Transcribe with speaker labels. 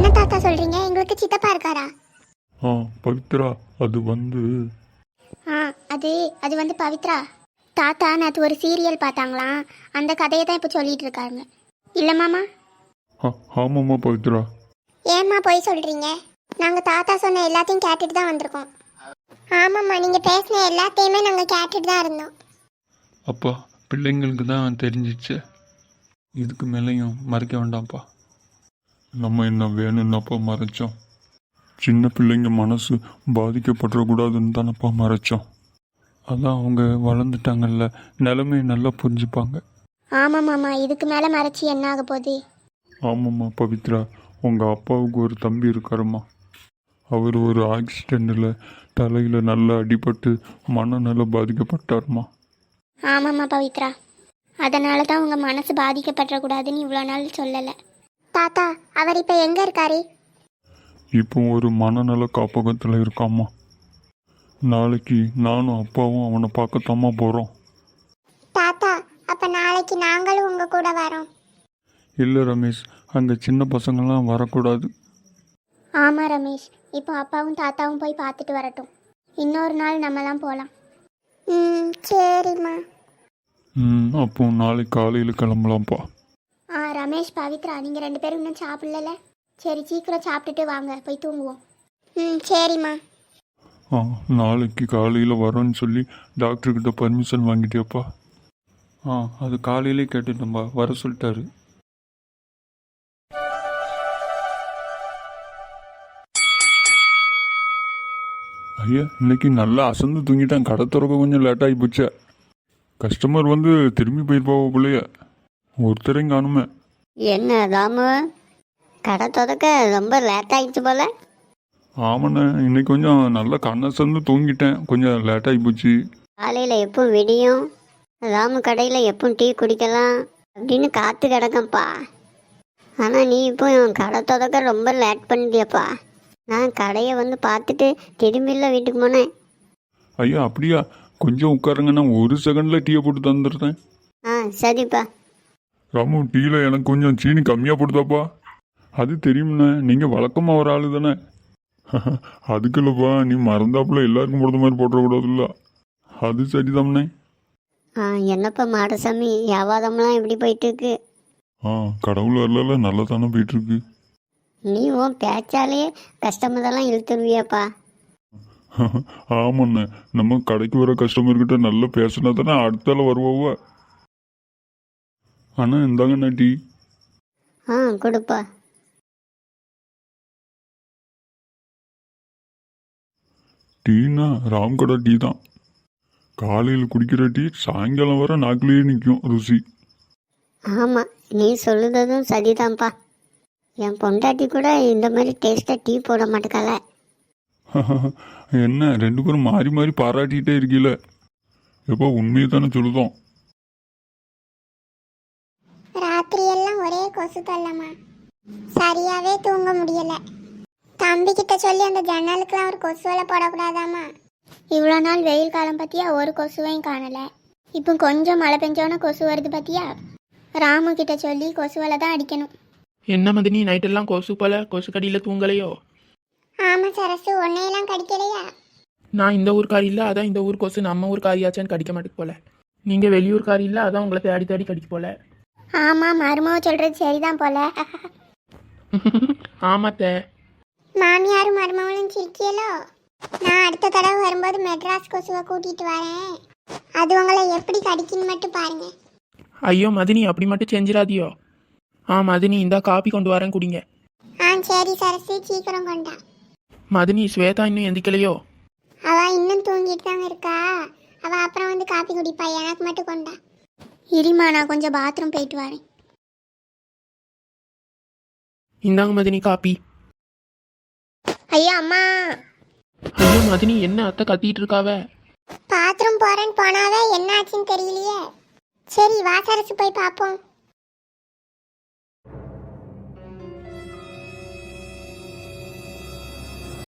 Speaker 1: என்ன தாத்தா சொல்றீங்க? எங்களுக்கு சித்தப்பா இருக்காரா?
Speaker 2: பவித்ரா, அது
Speaker 1: அது வந்து பவித்ரா தாத்தா நேற்று ஒரு சீரியல் பார்த்தாங்களாம். அந்த கதையை தான் இப்போ சொல்லிட்டு இருக்காங்க. இல்லை மாமா?
Speaker 2: ஆமாம்மா பவித்ரா.
Speaker 1: ஏம்மா போய் சொல்றீங்க? நாங்கள் தாத்தா சொன்ன எல்லாத்தையும் கேட்டுட்டு தான் வந்திருக்கோம். ஆமாம்மா, நீங்கள் பேசின எல்லாத்தையுமே நாங்கள் கேட்டுட்டு தான் இருந்தோம்.
Speaker 2: அப்பா, பிள்ளைங்களுக்கு தான் தெரிஞ்சிச்சு. இதுக்கு மேலேயும் மறைக்க வேண்டாம்ப்பா. நம்ம என்ன வேணும்னப்பா மறைச்சோம். சின்ன பிள்ளைங்க மனசு பாதிக்கப்படக்கூடாதுன்னு தானப்பா மறைச்சோம். அதான் அவங்க வளர்ந்துட்டாங்கல்ல, நிலைமையை நல்லா புரிஞ்சுப்பாங்க.
Speaker 1: ஆமாம் மாமா, இதுக்கு மேலே மறைச்சி என்ன ஆக போகுது?
Speaker 2: ஆமாம்மா பவித்ரா, உங்கள் அப்பாவுக்கு ஒரு தம்பி இருக்காருமா. அவர் ஒரு ஆக்சிடெண்ட்டில் தலையில் நல்லா அடிபட்டு மனநல பாதிக்கப்பட்டாருமா.
Speaker 1: ஆமாம்மா பவித்ரா, அதனால தான் உங்கள் மனசு பாதிக்கப்படக்கூடாதுன்னு இவ்வளோ நாள் சொல்லலை. தாத்தா, அவர் இப்போ எங்கே இருக்காரு?
Speaker 2: இப்போ ஒரு மனநல காப்பகத்தில் இருக்காம்மா. நாளைக்கு நானும் அப்பாவும் அவனை பார்க்கத்தாம்மா போகிறோம்.
Speaker 1: தாத்தா, அப்போ நாளைக்கு நாங்களும் உங்கள் கூட வரோம்.
Speaker 2: இல்லை ரமேஷ், அங்கே சின்ன பசங்கள்லாம் வரக்கூடாது.
Speaker 1: ஆமாம் ரமேஷ், இப்போ அப்பாவும் தாத்தாவும் போய் பார்த்துட்டு வரட்டும். இன்னொரு நாள் நம்மலாம் போகலாம். சரிம்மா.
Speaker 2: அப்போ நாளைக்கு காலையில் கிளம்பலாம்ப்பா.
Speaker 1: ரமேஷ், பவித்ரா, நீங்கள் 2 பேரும் இன்னும் சாப்பிடல? சரி, சீக்கிரம் சாப்பிட்டுட்டு வாங்க, போய் தூங்குவோம். சரிம்மா.
Speaker 2: நாளைக்கு காலையில் வரோன்னு சொல்லி டாக்டர்கிட்ட பர்மிஷன் வாங்கிட்டியாப்பா? அது காலையிலே கேட்டுட்டோம்பா, வர சொல்லிட்டாரு. ஐயா, இன்னைக்கு நல்லா அசந்து தூங்கிட்டேன். கடை திறக்க கொஞ்சம் லேட்டாகி போச்சே. கஸ்டமர் வந்து திரும்பி போயிருப்பாவோ பிள்ளைய, ஒருத்தரையும் காணுமே.
Speaker 3: என்ன ராமு, கடை திறக்க ரொம்ப லேட் ஆகிடுச்சு போல?
Speaker 2: ஆமாண்ணே, இன்னைக்கு கொஞ்சம் நல்லா கண்ணசந்து தூங்கிட்டேன், கொஞ்சம் லேட்டாகி போச்சு.
Speaker 3: காலையில் எப்போ விடியும், ராமு கடையில் எப்போ டீ குடிக்கலாம் அப்படின்னு காத்து கிடக்கேன்ப்பா. ஆனால் நீ இப்போ கடை திறக்க ரொம்ப லேட் பண்ணிட்டியப்பா. நான் கடையை வந்து பார்த்துட்டு திரும்பியில் வீட்டுக்கு போனேன்.
Speaker 2: ஐயா அப்படியா? கொஞ்சம் உட்காருங்க, நான் 1 செகண்டில் டீயை போட்டு தந்துடுறேன்.
Speaker 3: சரிப்பா.
Speaker 2: ராமு, டீயில் எனக்கு கொஞ்சம் சீனி கம்மியாக போட்டுதாப்பா. அது தெரியும்ண்ணே, நீங்கள் வழக்கமாக ஒரு ஆள் தானே. அதுக்கு இல்லைப்பா, நீ மறந்தாப்புல எல்லாருக்கும் போடுற மாதிரி போட்டுறக்கூடாதுல்ல. அது சரிதாம்ண்ணே.
Speaker 3: என்னப்பா மாடசாமி, வியாபாரம்லாம் எப்படி போயிட்டு இருக்கு?
Speaker 2: கடவுள் வரல நல்லா தானே போயிட்டுருக்கு.
Speaker 3: நீ உன் பேச்சாலே கஸ்டமரெல்லாம் இழுத்துருவியாப்பா.
Speaker 2: ஆமாண்ணே, நம்ம கடைக்கு வர கஸ்டமர்கிட்ட நல்லா பேசினா தானே அடுத்தால வருவாவ. ஆனால் இந்தாங்கண்ணா டீ.
Speaker 3: கொடுப்பா.
Speaker 2: டீனா ராம்கடை டீ தான். காலையில் குடிக்கிற டீ சாயங்காலம் வர நாக்கிலேயே நிற்கும் ருசி.
Speaker 3: ஆமாம், நீ சொல்லுறதும் சரிதான்ப்பா. என் பொண்டாட்டி கூட இந்த மாதிரி டேஸ்ட்டாக டீ போட மாட்டேக்கால.
Speaker 2: என்ன 2 பேரும் மாறி மாறி பாராட்டிகிட்டே இருக்கீல. எப்போ உண்மையை தானே சொல்லுதோம்.
Speaker 1: ராத்திரி எல்லாம் ஒரே கொசு தொல்லமா, சரியாவே தூங்க முடியல. தம்பி கிட்ட சொல்லி அந்த ஜன்னலுக்குலாம் ஒரு கொசுவலை போடக்கூடாதாமா. இவ்வளோ நாள் வெயில் காலம் பற்றியா ஒரு கொசுவையும் காணலை. இப்போ கொஞ்சம் மழை பெஞ்சோன்னா கொசு வருது பற்றியா. ராமு கிட்ட சொல்லி கொசுவலை தான் அடிக்கணும்.
Speaker 4: என்ன மதினி, நைட்டெல்லாம் கொசு போல, கொசு கடியில் தூங்கலையோ?
Speaker 1: ஆமாம் சரசு, உன்னையெல்லாம் கடிக்கலையா?
Speaker 4: நான் இந்த ஊர்க்காரி இல்லை, அதான் இந்த ஊர் கொசு நம்ம ஊர்க்காரியாச்சான்னு கடிக்க மாட்டேக்கு போல. நீங்கள் வெளியூர்காரி இல்லை, அதான் உங்களை தேடி தேடி கடிக்க போல.
Speaker 1: ஆமாம், மருமக சொல்கிறது சரிதான் போல.
Speaker 4: ஆமாத்த.
Speaker 1: மாமியாரும் மருமகளும் சிரிக்கியலோ. நான் அடுத்த தடவை வரும்போது மெட்ராஸ் கொசுவை கூட்டிகிட்டு வரேன். அது உங்களை எப்படி கடிக்குன்னு மட்டும் பாருங்க.
Speaker 4: ஐயோ மதினி, அப்படி மட்டும் செஞ்சிடாதியோ. மதினி, இந்தா காப்பி கொண்டு வரேன், குடிங்க.
Speaker 1: சரி சரசு, சீக்கிரம் கொண்டா.
Speaker 4: மதினி, ஸ்வேதா இன்னும் எந்திக்கலையோ?
Speaker 1: அவள் இன்னும் தூங்கிட்டு தாங்க இருக்கா. அவள் அப்புறம் வந்து காப்பி குடிப்பா, எனக்கு மட்டும் கொண்டா. இருமா, நான் கொஞ்சம் பாத்ரூம் போயிட்டு வரேன்.
Speaker 4: இந்தாங்க மதினி காப்பி.
Speaker 1: ஐயா அம்மா.
Speaker 4: ஐயோ மதினி, என்ன அத்தை கத்திட்டு இருக்காவ?
Speaker 1: பாத்ரூம் போறேன்னு போனாவே என்ன ஆச்சுன்னு தெரியலையே. சரி வா சரசு, போய் பார்ப்போம்.